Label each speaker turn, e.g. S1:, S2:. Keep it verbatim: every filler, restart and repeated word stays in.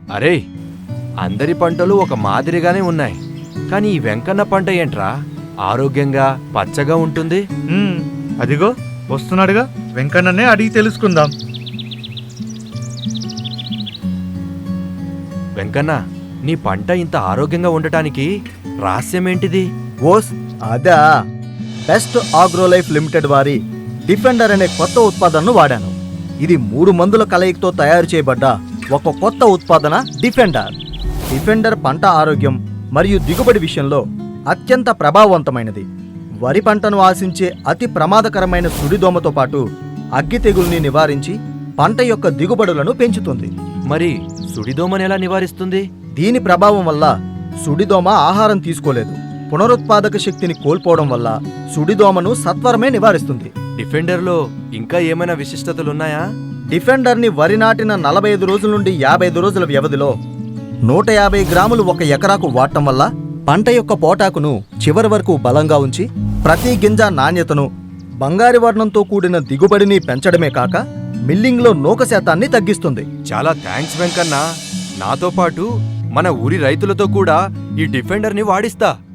S1: అరే, అందరి పంటలు ఒక మాదిరిగానే ఉన్నాయి, కానీ ఈ వెంకన్న పంట ఏంట్రా ఆరోగ్యంగా పచ్చగా ఉంటుంది?
S2: ఉమ్, అదిగో వస్తున్నాడుగా, వెంకన్ననే అడిగి తెలుసుకుందాం.
S1: వెంకన్న, నీ పంట ఇంత ఆరోగ్యంగా ఉండటానికి రహస్యమేంటిది?
S3: ఓస్ అదా, బెస్ట్ ఆగ్రోలైఫ్ లిమిటెడ్ వారి డిఫెండర్ అనే కొత్త ఉత్పాదనను వాడాను. ఇది మూడు మందుల కలయికతో తయారు చేయబడ్డ ఒక కొత్త ఉత్పాదన డిఫెండర్. డిఫెండర్ పంట ఆరోగ్యం మరియు దిగుబడి విషయంలో అత్యంత ప్రభావవంతమైనది. వరి పంటను ఆశించే అతి ప్రమాదకరమైన సుడిదోమతో పాటు అగ్గి తెగుల్ని నివారించి పంట యొక్క దిగుబడులను పెంచుతుంది.
S1: మరి సుడిదోమని ఎలా నివారిస్తుంది?
S3: దీని ప్రభావం వల్ల సుడిదోమ ఆహారం తీసుకోలేదు, పునరుత్పాదక శక్తిని కోల్పోవడం వల్ల సుడిదోమను సత్వరమే నివారిస్తుంది.
S1: డిఫెండర్లో ఇంకా ఏమైనా విశిష్టతలున్నాయా?
S3: డిఫెండర్ని వరి నాటిన నలభై ఐదు రోజుల నుండి యాభై ఐదు రోజుల వ్యవధిలో నూట యాభై గ్రాములు ఒక ఎకరాకు వాడటం వల్ల పంట యొక్క పోటాకును చివరి వరకు బలంగా ఉంచి ప్రతి గింజ నాణ్యతను, బంగారు వర్ణంతో కూడిన దిగుబడిని పెంచడమే కాక మిల్లింగ్లో నూక శాతాన్ని తగ్గిస్తుంది.
S1: చాలా థ్యాంక్స్ వెంకన్న. నాతో పాటు మన ఊరి రైతులతో కూడా ఈ డిఫెండర్ని వాడిస్తా.